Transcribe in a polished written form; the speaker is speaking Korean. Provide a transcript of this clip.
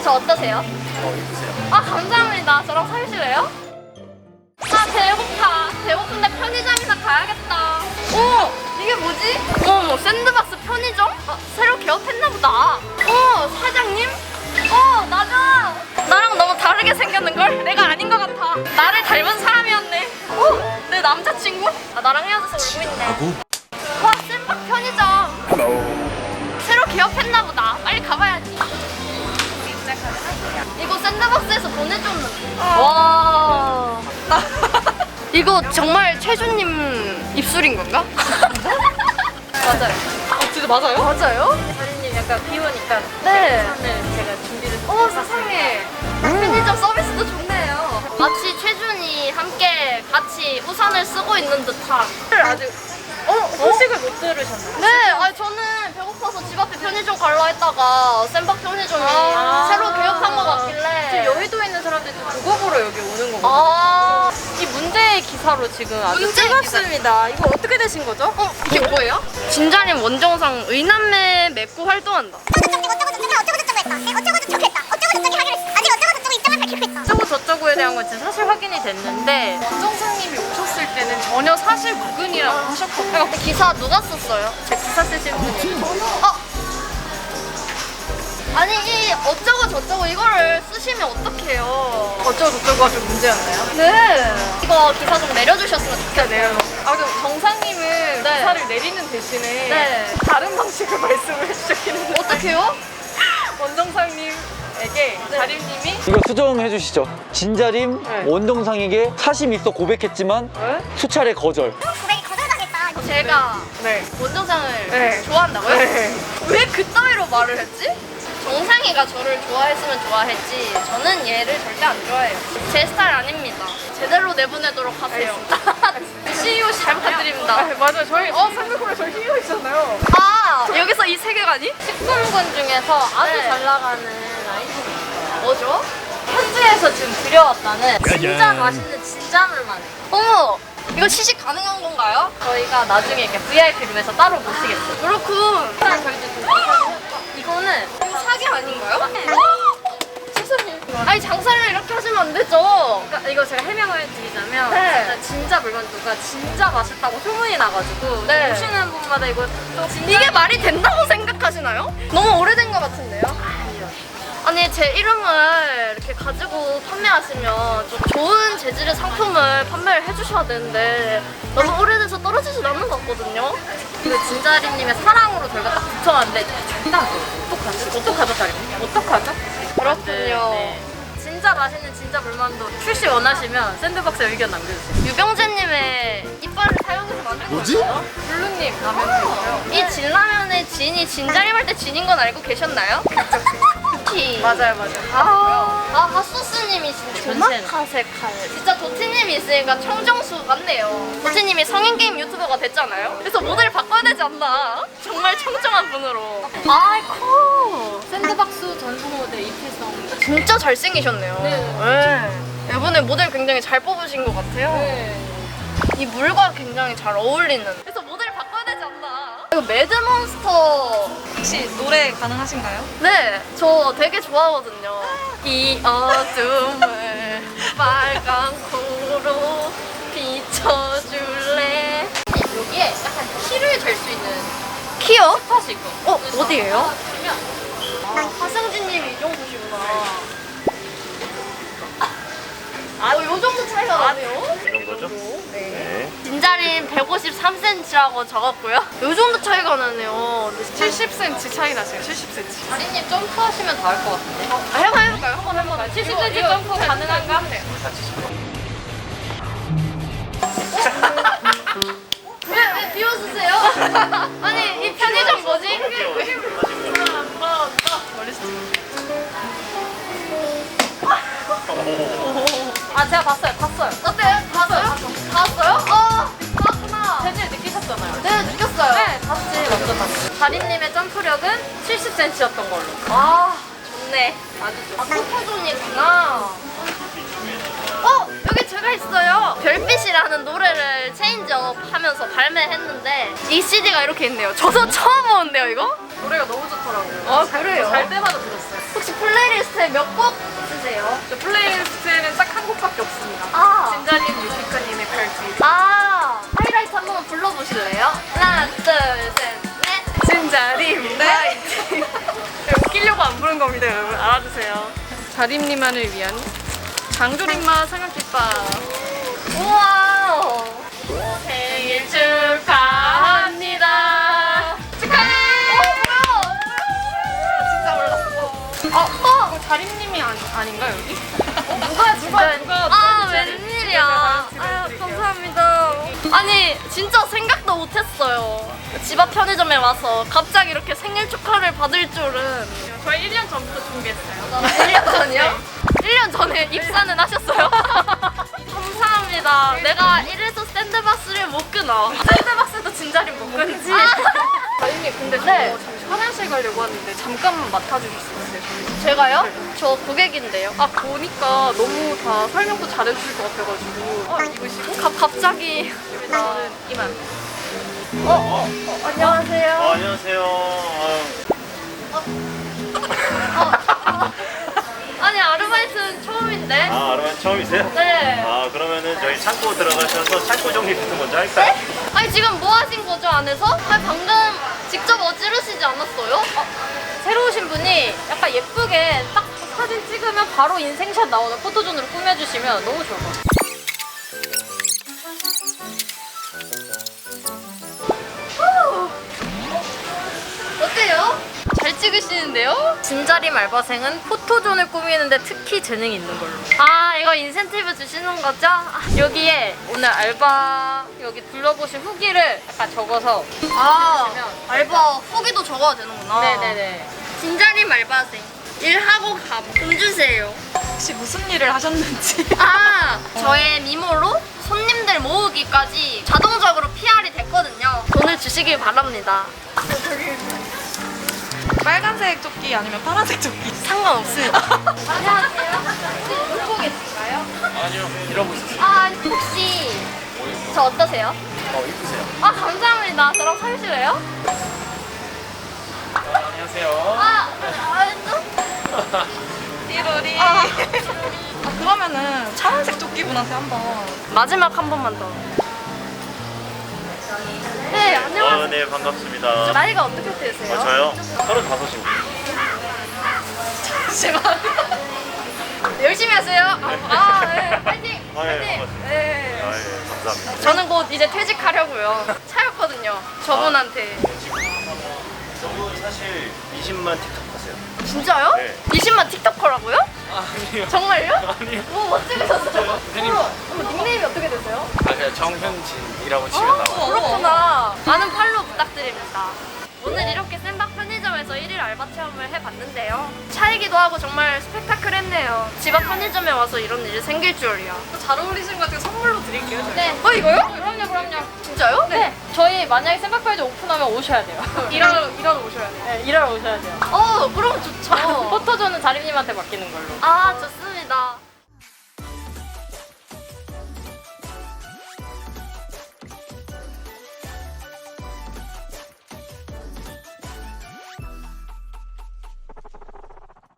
저 어떠세요? 입으세요. 아 감사합니다. 저랑 사실래요? 아 배고파. 배고픈데 편의점이나 가야겠다. 오 이게 뭐지? 어머 샌드박스 편의점? 아, 새로 개업했나보다. 사장님? 나랑 너무 다르게 생겼는걸? 내가 아닌 것 같아. 나를 닮은 사람이었네. 내 남자친구? 아 나랑 헤어져서 울고 있네. 와 샌박 편의점. 새로 개업했나보다. 빨리 가봐야지. 이거 샌드박스에서 보내줬는데. 와. 이거 정말 최준님 입술인 건가? 맞아요. 진짜 맞아요? 맞아요? 사장님 약간 비 오니까 네. 우산을 제가 준비를 세상에. 편의점 서비스도 좋네요. 마치 최준이 함께 같이 우산을 쓰고 있는 듯한. 아직 소식을 못 들으셨나요? 네, 아니 저는 배고파서 집 앞에 편의점 갈라 했다가 샌박 편의점이 새로 개업한 것 같길래. 지금 여의도에 있는 사람들이 그거 보러 여기 오는 거거든요. 이 문제의 기사로 지금 아주 문제의 뜨겁습니다. 이거 어떻게 되신 거죠? 이게 뭐예요? 진자림 원정상 의남매 맺고 활동한다. 어쩌고 저쩌고에 대한 건 진짜 사실 확인이 됐는데 원정상님이 오셨을 때는 전혀 사실 무근이라고 하셨거든요. 기사 누가 썼어요? 제 기사 쓰신 분이 아니 이 어쩌고 저쩌고 이거를 쓰시면 어떡해요? 어쩌고 저쩌고가 좀 문제였나요? 네. 이거 기사 좀 내려주셨으면 좋겠어요. 그럼 정상님은 네. 기사를 내리는 대신에 네. 다른 방식으로 말씀을 해주셨긴 했는데 어떡해요? 원정상님에게 자림님이 이거 수정해 주시죠. 진자림 네. 원정상에게 사심 있어 고백했지만 수차례 거절. 제가 네. 원정상을 네. 좋아한다고요? 네. 왜 그따위로 말을 했지? 정상이가 저를 좋아했으면 좋아했지 저는 얘를 절대 안 좋아해요. 제 스타일 아닙니다. 제대로 내보내도록 하세요. CEO 잘 부탁드립니다. 맞아요. 저희 생각해보면 저희 히어 있잖아요. 여기서 이 세계관이? 식품군 중에서 아주 네. 잘 나가는 아이템이 뭐죠? 현지에서 지금 들여왔다는 진짜 맛있는 진짜물만 해요. 어머! 이거 시식 가능한 건가요? 저희가 나중에 이렇게 VIP 룸에서 따로 모시겠어요. 그렇군. 이거는 사기 아닌가요? 네. 세상에. 아니 장사를 이렇게 하시면 안 되죠. 그러니까 이거 제가 해명을 드리자면 네. 진짜 물만두가 진짜 맛있다고 소문이 나가지고 네. 오시는 분마다 이거 또 진짜 이게 말이 된다고 생각하시나요? 너무 오래된 것 같은데요? 아니 제 이름을 이렇게 가지고 판매하시면 좀 좋은 재질의 상품을 판매를 해주셔야 되는데 너무 오래돼서 떨어지진 않는 것 같거든요. 그 진자림님의 사랑으로 저희가 딱 붙여왔는데 어떡하죠, 자림? 어떡하죠? 그렇군요. 네. 진짜 맛있는 진짜 물만두 출시 원하시면 샌드박스에 의견 남겨주세요. 유병재님의 이빨을 사용해서 만든 거예요? 블루님 라면이고요. 이 진라면의 진이 진자림 할 때 진인 건 알고 계셨나요? 맞아요. 핫소스님이 진짜 전체는. 도마카세칼. 진짜 도티님이 있으니까 청정수 같네요. 도티님이 성인 게임 유튜버가 됐잖아요. 그래서 모델을 바꿔야 되지 않나? 정말 청정한 분으로. 아이코. 샌드박스 전속 모델 이필성. 진짜 잘생기셨네요. 네. 이번에 모델 굉장히 잘 뽑으신 것 같아요. 네. 이 물과 굉장히 잘 어울리는. 그래서 모델을 바꿔야 되지 않나? 이거 매드몬스터. 혹시 노래 가능하신가요? 네, 저 되게 좋아하거든요. 이 어둠을 빨간 코로 비춰줄래. 여기에 약간 키를 잴 수 있는 키요? 스팟이 있고. 어디예요? 화승진님이 이 정도시구나. 요 정도 차이가 나네요? 이 정도죠? 네. 진자림 153cm라고 적었고요. 요 정도 차이가 나네요. 70cm 차이 나세요. 70cm. 다리님 점프하시면 다 할 것 같은데. 해볼까요? 한번 70cm 점프 가능한가? 왜 비워주세요? 아니 이 편의점 뭐지? 제가 봤어요. 어때요? 봤어요? 봤어요? 봤구나. 재질 느끼셨잖아요. 네 느꼈어요. 네, 완전 봤어요. 다리님의 점프력은 70cm였던 걸로. 좋네. 아주 좋네. 포토존이구나. 여기 제가 있어요. 별빛이라는 노래를 체인지업 하면서 발매했는데 이 CD가 이렇게 있네요. 저도 처음 보는데요 이거? 노래가 너무 좋더라고요. 그래요? 잘 때마다 들었어요. 혹시 플레이리스트에 겁니다, 여러분. 알아주세요. 자림님만을 위한 장조림맛 삼각김밥. 우와. 생일 축하합니다. 축하해. 진짜 몰랐어. 이거 자림님이 아닌가, 여기? 아, 웬일이야. 아유, 감사합니다. 아니, 진짜 생각도 못했어요. 집 앞 편의점에 와서 갑자기 이렇게 생일 축하를 받을 줄은. 저희 1년 전부터 준비했어요. 1년 전이요? 1년 전에 입사는 하셨어요? 감사합니다. 내가 이래서 샌드박스를 못 끊어. 샌드박스도 진자림 못 끊지. 자림님, 근데 저 네. 잠시 화장실 가려고 하는데 잠깐만 맡아주실 수 있어요, 저희? 제가요? 저 고객인데요. 아, 보니까 너무 다 설명도 잘해주실 것 같아가지고. 입으시고. 갑자기. 저는 이만. 안녕하세요. 안녕하세요. 아니, 아르바이트는 처음인데. 아르바이트 처음이세요? 네. 그러면은 저희 창고 들어가셔서 창고 정리부터 먼저 할까요? 아니, 지금 뭐 하신 거죠, 안에서? 아니, 방금 직접 어지르시지 않았어요? 새로 오신 분이 약간 예쁘게 딱 사진 찍으면 바로 인생샷 나오는 포토존으로 꾸며주시면 너무 좋을 것 같아요. 어때요? 잘 찍으시는데요? 진자림 알바생은 포토존을 꾸미는데 특히 재능이 있는 걸로. 아, 이거 인센티브 주시는 거죠? 여기에 오늘 알바 여기 둘러보신 후기를 약간 적어서 아, 알바 후기도 적어야 되는구나. 네네네. 진자림 알바생. 일하고 돈 주세요. 혹시 무슨 일을 하셨는지 아, 저의 미모로 손님들 모으기까지 자동적으로 PR이 됐거든요. 돈을 주시길 바랍니다. 빨간색 조끼 아니면 파란색 조끼 상관없습니다. 안녕하세요. 혹시 놀고 계신가요? 아니요, 이러고 있었어요. 아, 혹시 저 어떠세요? 이쁘세요. 아, 감사합니다. 저랑 사실래요? 안녕하세요. 띠로리 그러면은 파란색 조끼분한테 한번 마지막 한 번만 더. 네, 안녕하세요. 네, 반갑습니다. 나이가 어떻게 되세요? 저요? 35입니다. 잠시만 열심히 하세요. 네, 파이팅! 아, 예, 파이팅! 반갑습니다. 네. 예, 감사합니다. 저는 곧 이제 퇴직하려고요. 차였거든요. 저분한테. 저분 사실 20만 틱톡 하세요. 진짜요? 네. 20만 틱톡커라고요? 아니요. 정말요? 아니요. 뭐 찍으셨어요? 어머, 닉네임이 어떻게 되세요? 그냥 정현진이라고 치면 나와요. 그렇구나. 많은 팔로우 부탁드립니다. 오늘 이렇게 샌박 편의점에서 1일 알바 체험을 해봤는데요. 차이기도 하고 정말 스펙타클했네요. 집 앞 편의점에 와서 이런 일이 생길 줄이야. 잘 어울리시는 것 같아요. 선물로 드릴게요. 저희. 네. 이거요? 그럼요. 진짜요? 네. 저희 만약에 샌박페이지 오픈하면 오셔야 돼요. 일하러 오셔야 돼요. 네, 일하러 오셔야 돼요. 그럼 좋죠. 포토존은 자림님한테 맡기는 걸로. 아, 좋습니다.